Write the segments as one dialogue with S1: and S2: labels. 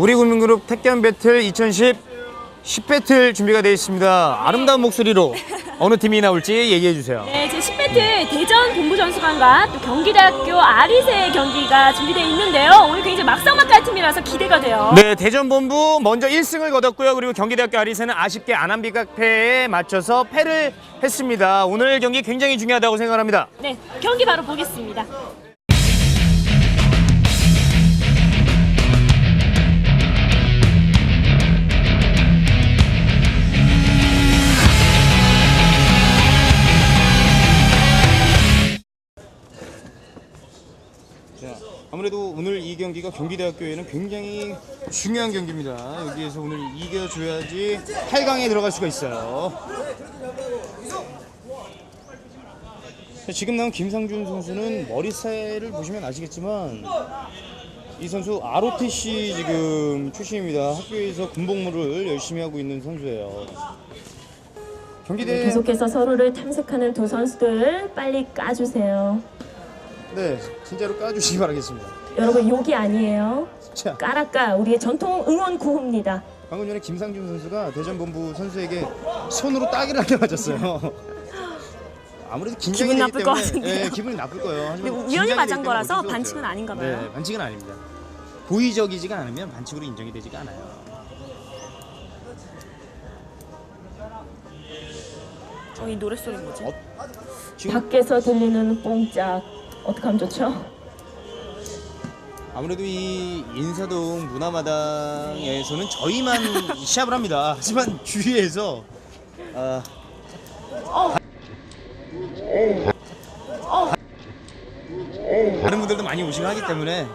S1: 우리국민그룹 택견 배틀 2010 10배틀 준비가 되어 있습니다. 아름다운 목소리로 어느 팀이 나올지 얘기해 주세요.
S2: 네, 제 10배틀 대전 본부전수관과 또 경기대학교 아리세 경기가 준비되어 있는데요. 오늘 굉장히 막상막하한 팀이라서 기대가 돼요.
S1: 네, 대전 본부 먼저 1승을 거뒀고요. 그리고 경기대학교 아리세는 아쉽게 안암비각패에 맞춰서 패를 했습니다. 오늘 경기 굉장히 중요하다고 생각합니다.
S2: 네, 경기 바로 보겠습니다.
S1: 아무래도 오늘 이 경기가 경기대학교에는 굉장히 중요한 경기입니다. 여기에서 오늘 이겨줘야지 8강에 들어갈 수가 있어요. 지금 나온 김상준 선수는 머리살을 보시면 아시겠지만 이 선수 ROTC 지금 출신입니다. 학교에서 군복무를 열심히 하고 있는 선수예요. 경기대
S2: 계속해서 서로를 탐색하는 두 선수들 빨리 까주세요.
S1: 네, 진짜로 까주시기 바라겠습니다.
S2: 여러분 욕이 아니에요.
S1: 자,
S2: 까라까 우리의 전통 응원 구호입니다.
S1: 방금 전에 김상준 선수가 대전본부 선수에게 손으로 따기를 하게 맞았어요. 아무래도 긴장이
S2: 기분
S1: 되기
S2: 나쁠
S1: 때문에,
S2: 것 같은데요.
S1: 네, 기분이 나쁠 거예요.
S2: 근데
S1: 하지만
S2: 우연히
S1: 긴장이
S2: 맞은
S1: 되기 때문에
S2: 거라서
S1: 어쩔 수
S2: 반칙은
S1: 없어요.
S2: 아닌가 봐요.
S1: 네, 반칙은 아닙니다. 고의적이지가 않으면 반칙으로 인정이 되지가 않아요.
S2: 이 노랫소리 뭐지?
S1: 지금
S2: 밖에서 들리는 뽕짝 어떻게 하면 좋죠?
S1: 아무래도 이 인사동 문화마당에서는 저희만 시합을 합니다. 하지만 주위에서 다른 분들도 많이 오시고 하기 때문에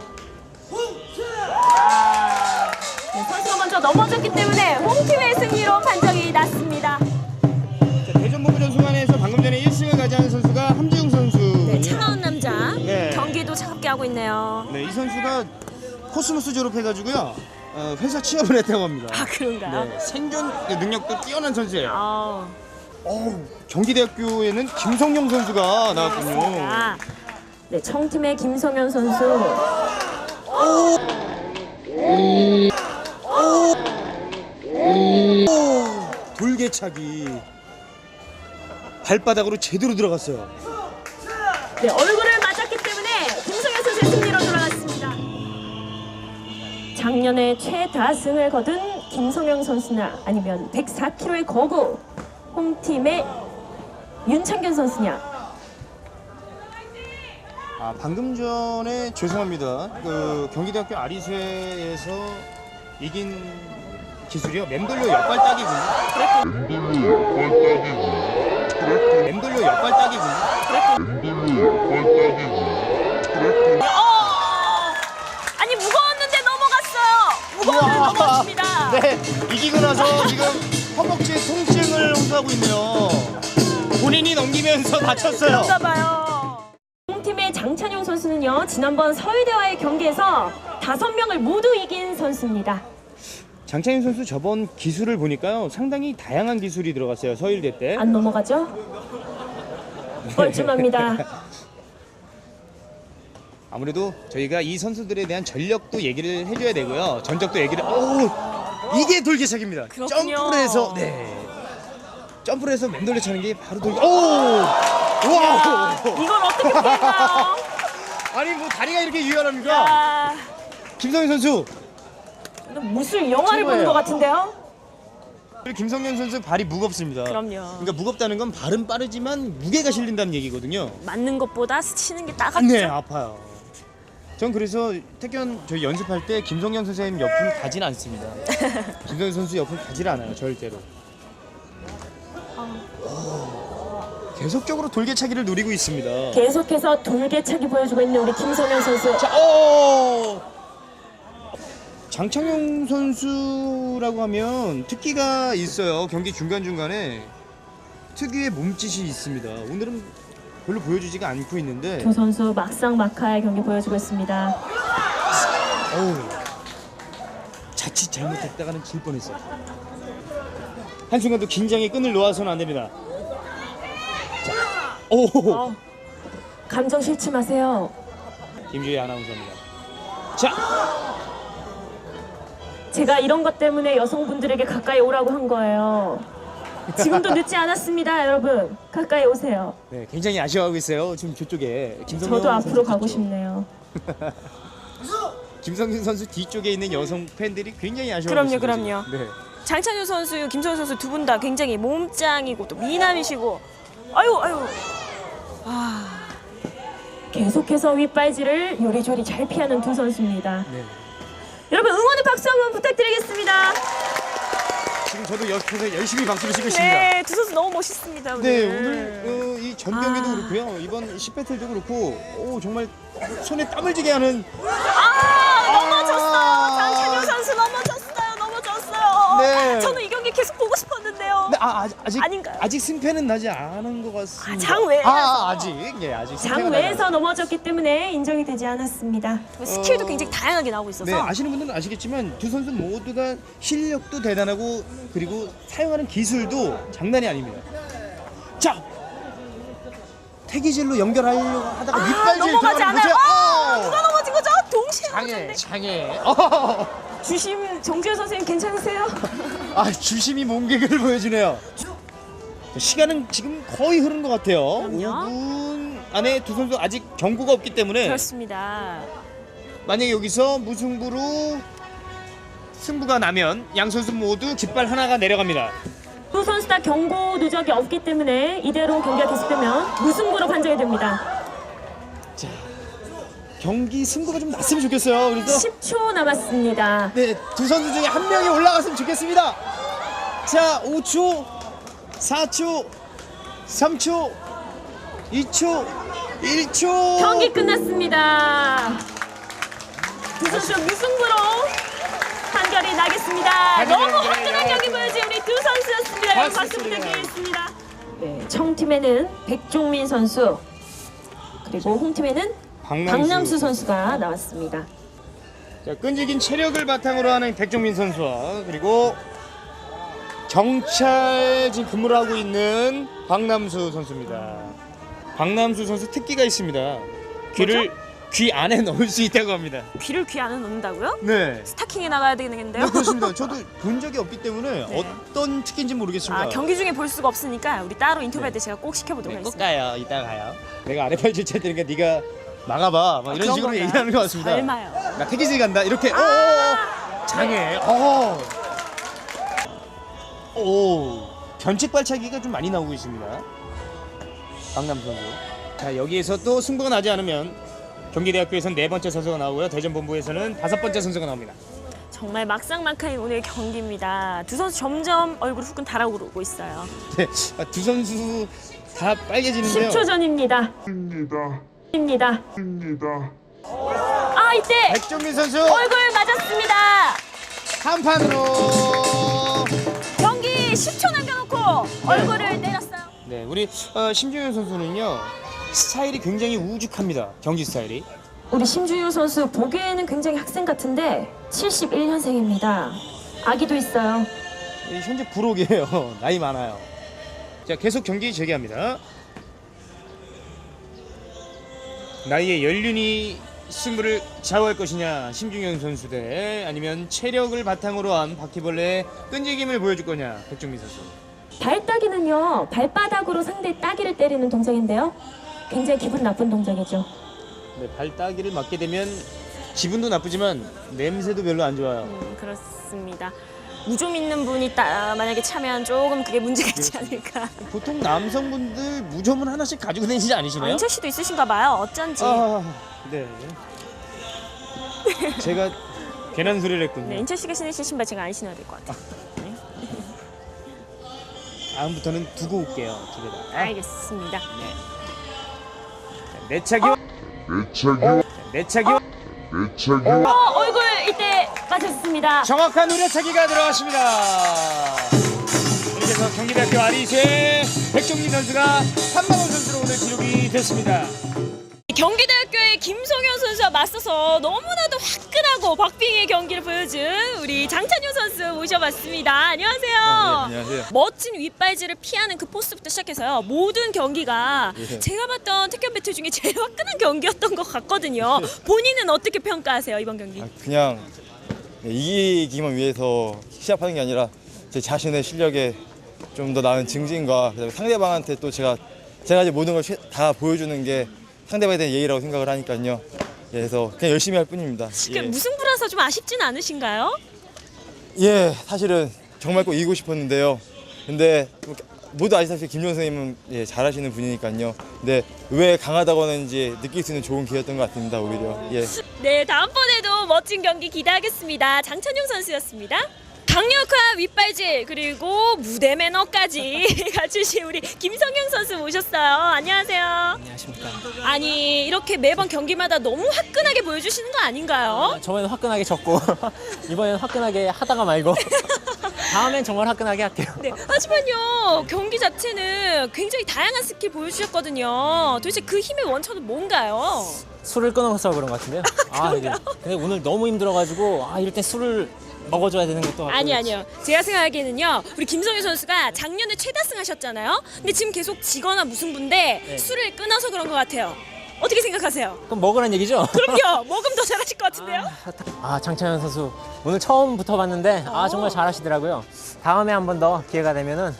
S2: 네, 선수가 먼저 넘어졌기 때문에 홈팀의 승리로 판정이 났습니다.
S1: 대전본부전수관에서 방금 전에 1승을 가져간 선수가 함지웅 선수.
S2: 네, 차가운 남자
S1: 네.
S2: 경기도 차갑게 하고 있네요.
S1: 네, 이 선수가 코스모스 졸업해가지고요 회사 취업을 했다고 합니다.
S2: 아, 그런가요?
S1: 네, 생존 능력도 뛰어난 선수예요.
S2: 아,
S1: 경기대학교에는 김성용 선수가 나왔군요.
S2: 아, 네, 청팀의 김성현 선수.
S1: 돌개차기 발바닥으로 제대로 들어갔어요.
S2: 네, 얼굴을 맞았기 때문에 김성현 선수의 승리로 돌아갔습니다. 작년에 최다승을 거둔 김성현 선수나 아니면 104kg의 거구 홈팀의 윤창균 선수냐.
S1: 방금 전에 죄송합니다. 그 경기대학교 아리세에서 이긴 기술이요. 맴돌려 옆발 따기군요. 맴돌려 옆발 따기군요.
S2: 아니 무거웠는데 넘어갔어요. 무거웠는데 넘어갔습니다.
S1: 네, 이기고 나서 지금 허벅지 통증을 호소하고 있네요. 본인이 넘기면서 다쳤어요.
S2: 그런가 봐요. 홈팀의 장찬용 선수는요, 지난번 서울대와의 경기에서 5명을 모두 이긴 선수입니다.
S1: 장창인 선수 저번 기술을 보니까요 상당히 다양한 기술이 들어갔어요. 서울대 때.
S2: 안 넘어가죠? 뻘쭘합니다.
S1: 아무래도 저희가 이 선수들에 대한 전력도 얘기를 해줘야 되고요. 전적도 얘기를. 오, 이게 돌개차기입니다.
S2: 그렇군요.
S1: 점프를 해서 점프를 해서 맴돌려 차는 게 바로 돌개. 오, 와.
S2: 이걸 어떻게 피했나요?
S1: 아니 뭐 다리가 이렇게 유연합니까?
S2: 야,
S1: 김성현 선수.
S2: 무술 영화를 보는 것 같은데요?
S1: 김성현 선수 발이 무겁습니다.
S2: 그럼요.
S1: 그러니까 무겁다는 건 발은 빠르지만 무게가 실린다는 얘기거든요.
S2: 맞는 것보다 스치는 게 따갑죠?
S1: 네, 아파요. 전 그래서 태견 저희 연습할 때 김성현 선생님 옆을 가진 않습니다. 김성현 선수 옆을 가질 않아요, 절대로. 계속적으로 돌개차기를 노리고 있습니다.
S2: 계속해서 돌개차기 보여주고 있는 우리 김성현 선수.
S1: 자, 장창용 선수라고 하면 특기가 있어요. 경기 중간중간에 특유의 몸짓이 있습니다. 오늘은 별로 보여주지가 않고 있는데
S2: 두 선수 막상막하의 경기 보여주고 있습니다.
S1: 자칫 잘못했다가는 질 뻔했어요. 한순간도 긴장의 끈을 놓아서는 안 됩니다. 자,
S2: 감정 싫지 마세요.
S1: 김주희 아나운서입니다. 자,
S2: 제가 이런 것 때문에 여성분들에게 가까이 오라고 한 거예요. 지금도 늦지 않았습니다, 여러분. 가까이 오세요.
S1: 네, 굉장히 아쉬워하고 있어요. 지금 저쪽에
S2: 저도 앞으로 가고 싶네요.
S1: 김성균 선수 뒤쪽에 있는 여성 팬들이 굉장히 아쉬워하고 있어요.
S2: 그럼요.
S1: 네.
S2: 장찬효 선수, 김성현 선수 두 분 다 굉장히 몸짱이고 또 미남이시고 아유. 계속해서 윗발질을 요리조리 잘 피하는 두 선수입니다.
S1: 네.
S2: 여러분 응원의 박수 한번 부탁드리겠습니다.
S1: 지금 저도 옆에서 열심히 박수를 치고 있습니다.
S2: 네, 두 선수 너무 멋있습니다. 오늘.
S1: 네, 오늘 이 전 경기도 그렇고요. 이번 10배틀도 그렇고 정말 손에 땀을 쥐게 하는
S2: 넘어졌어요. 장찬효 선수 넘어졌어요.
S1: 네.
S2: 저는 이 경기 계속 보고 싶었는데요.
S1: 네, 아직
S2: 아닌가요?
S1: 아직 승패는 나지 않은 것 같습니다.
S2: 장외에서.
S1: 아직 승패가
S2: 장외에서 넘어졌기 때문에 인정이 되지 않았습니다. 스킬도 굉장히 다양하게 나오고 있어서.
S1: 네, 아시는 분들은 아시겠지만 두 선수 모두가 실력도 대단하고 그리고 사용하는 기술도 장난이 아닙니다. 자, 태기질로 연결하려고 하다가 윗발질
S2: 넘어가지
S1: 들어가는
S2: 않아요.
S1: 거죠.
S2: 누가 넘어진 거죠? 동시에 넘어졌는데.
S1: 장애.
S2: 주심 정지현 선생님 괜찮으세요?
S1: 주심이 몸개그를 보여주네요. 시간은 지금 거의 흐른 것 같아요.
S2: 그럼요.
S1: 5분 안에 두 선수 아직 경고가 없기 때문에
S2: 그렇습니다.
S1: 만약에 여기서 무승부로 승부가 나면 양 선수 모두 깃발 하나가 내려갑니다.
S2: 두 선수 다 경고 누적이 없기 때문에 이대로 경기가 계속되면 무승부로 판정이 됩니다.
S1: 경기 승부가 좀 났으면 좋겠어요. 그래서
S2: 10초 남았습니다.
S1: 네, 두 선수 중에 한 명이 올라갔으면 좋겠습니다. 자, 5초, 4초, 3초, 2초, 1초.
S2: 경기 끝났습니다. 두 선수 무승부로 판결이 나겠습니다. 너무 화끈한 경기 보여준 우리 두 선수였습니다. 여러분 박수 부탁드리겠습니다. 네, 청팀에는 백종민 선수 그리고 홈팀에는 박남수 선수가 나왔습니다.
S1: 자, 끈질긴 체력을 바탕으로 하는 백종민 선수와 그리고 경찰 지금 근무를 하고 있는 박남수 선수입니다. 박남수 선수 특기가 있습니다. 귀 안에 넣을 수 있다고 합니다.
S2: 귀를 귀 안에 넣는다고요?
S1: 네.
S2: 스타킹에 나가야 되겠는데요?
S1: 네, 그렇습니다. 저도 본 적이 없기 때문에
S2: 네.
S1: 어떤 특기인지 모르겠습니다.
S2: 경기 중에 볼 수가 없으니까 우리 따로 인터뷰할 때 제가 꼭 시켜보도록
S1: 네, 꼭
S2: 하겠습니다.
S1: 가요. 이따 가요. 내가 아랫팔질 칠 테니까 네가 막아봐. 막 이런
S2: 그런
S1: 식으로
S2: 건가요?
S1: 얘기하는 것 같습니다.
S2: 설마요.
S1: 나 태기질 간다. 이렇게. 장애. 변칙 발차기가 좀 많이 나오고 있습니다. 박남 선수. 자, 여기에서 또 승부가 나지 않으면 경기대학교에서는 4번째 선수가 나오고요. 대전본부에서는 5번째 선수가 나옵니다.
S2: 정말 막상막하인 오늘 경기입니다. 두 선수 점점 얼굴 후끈 달아오르고 있어요.
S1: 네, 두 선수 다 빨개지는데요.
S2: 10초 전입니다. 입니다. 이때
S1: 백종민 선수
S2: 얼굴 맞았습니다.
S1: 한 판으로.
S2: 경기 10초 남겨놓고 얼굴을 때렸어요.
S1: 네, 우리 심준현 선수는요 스타일이 굉장히 우직합니다. 경기 스타일이.
S2: 우리 심주유 선수 보기에는 굉장히 학생 같은데 71년생입니다. 아기도 있어요.
S1: 현재 부록이에요. 나이 많아요. 자, 계속 경기 재개합니다. 나이의 연륜이 승부를 좌우할 것이냐 심준현 선수 대 아니면 체력을 바탕으로 한 바퀴벌레의 끈질김을 보여줄 거냐 백종민 선수.
S2: 발따기는요 발바닥으로 상대 따기를 때리는 동작인데요. 굉장히 기분 나쁜 동작이죠.
S1: 네, 발따기를 맞게 되면 기분도 나쁘지만 냄새도 별로 안 좋아요.
S2: 그렇습니다. 무좀 있는 분이 만약에 차면 조금 그게 문제가 있지 않을까.
S1: 보통 남성분들 무좀은 하나씩 가지고 다니시지 않으시나요?
S2: 인철 씨도 있으신가 봐요. 어쩐지.
S1: 네. 제가 괜한 소리를 했군요.
S2: 네, 인철 씨가 신으신 신발 제가 안 신어야 될 것 같아요.
S1: 다음부터는 두고 올게요. 집에다.
S2: 알겠습니다.
S1: 내차기와
S2: 얼굴 이때 맞았습니다.
S1: 정확한 우려차기가 들어갔습니다. 그래서 경기대학교 아리수의 백종민 선수가 3만원 선수로 오늘 기록이 됐습니다.
S2: 경기대학교의 김성현 선수와 맞서서 너무나도 화끈하고 박빙의 경기를 보여준 우리 장찬효 선수 모셔봤습니다. 안녕하세요.
S1: 안녕하세요.
S2: 멋진 윗발질을 피하는 그 포스부터 시작해서요. 모든 경기가 제가 봤던 태권 배틀 중에 제일 화끈한 경기였던 것 같거든요. 본인은 어떻게 평가하세요, 이번 경기?
S3: 그냥 이기기만 위해서 시합하는 게 아니라 제 자신의 실력에 좀 더 나은 증진과 그다음에 상대방한테 또 제가 이제 모든 걸 다 보여주는 게 상대방에 대한 예의라고 생각을 하니까요. 예, 그래서 그냥 열심히 할 뿐입니다.
S2: 그 무승부라서 좀 아쉽진 않으신가요?
S3: 예, 사실은 정말 꼭 이기고 싶었는데요. 근데 모두 아시다시피 김종 선생님은 예, 잘하시는 분이니까요. 근데 왜 강하다고 하는지 느낄 수 있는 좋은 기회였던 것 같습니다. 오히려. 예.
S2: 네, 다음번에도 멋진 경기 기대하겠습니다. 장찬용 선수였습니다. 강력한 윗발질 그리고 무대 매너까지 갖추신 우리 김성형 선수 모셨어요. 안녕하세요.
S4: 안녕하십니까.
S2: 아니 이렇게 매번 경기마다 너무 화끈하게 보여주시는 거 아닌가요?
S4: 저번엔 화끈하게 졌고 이번엔 화끈하게 하다가 말고 다음엔 정말 화끈하게 할게요.
S2: 네, 하지만요 경기 자체는 굉장히 다양한 스킬 보여주셨거든요. 도대체 그 힘의 원천은 뭔가요?
S4: 술을 끊어서 그런 것 같은데요. 근데 오늘 너무 힘들어가지고 이럴 땐 술을 먹어줘야 되는 것도 같고.
S2: 아니요. 제가 생각하기에는요. 우리 김성현 선수가 작년에 최다승 하셨잖아요. 근데 지금 계속 지거나 무승부인데
S4: 네.
S2: 술을 끊어서 그런 것 같아요. 어떻게 생각하세요?
S4: 그럼 먹으란 얘기죠?
S2: 그럼요. 먹으면 더 잘하실 것 같은데요?
S4: 장찬현 선수 오늘 처음 붙어봤는데 정말 잘하시더라고요. 다음에 한 번 더 기회가 되면은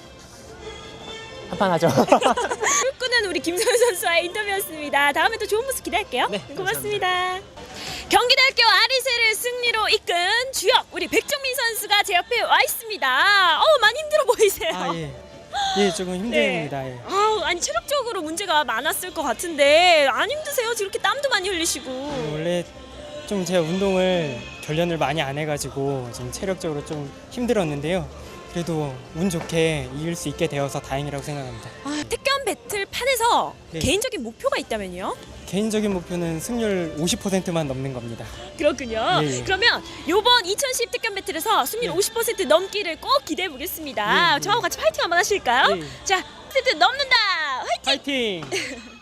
S4: 한판 하죠.
S2: 술 끊은 우리 김성현 선수와의 인터뷰였습니다. 다음에 또 좋은 모습 기대할게요.
S4: 네,
S2: 고맙습니다. 경기대학교 아리세를 승리로 이끈 주역 우리 백정민 선수가 제 옆에 와 있습니다. 많이 힘들어 보이세요.
S5: 예, 조금 힘듭니다. 예.
S2: 아니 체력적으로 문제가 많았을 것 같은데 안 힘드세요? 이렇게 땀도 많이 흘리시고.
S5: 원래 좀 제가 운동을 결련을 많이 안 해가지고 좀 체력적으로 좀 힘들었는데요. 그래도 운 좋게 이길 수 있게 되어서 다행이라고 생각합니다.
S2: 택견 배틀판에서
S5: 네.
S2: 개인적인 목표가 있다면요?
S5: 개인적인 목표는 승률 50%만 넘는 겁니다.
S2: 그렇군요.
S5: 예.
S2: 그러면 이번 2010 택견 배틀에서 승률 50% 넘기를 꼭 기대해 보겠습니다.
S5: 예.
S2: 저하고 같이 파이팅 한번 하실까요?
S5: 예.
S2: 자, 50% 넘는다. 화이팅!
S5: 파이팅!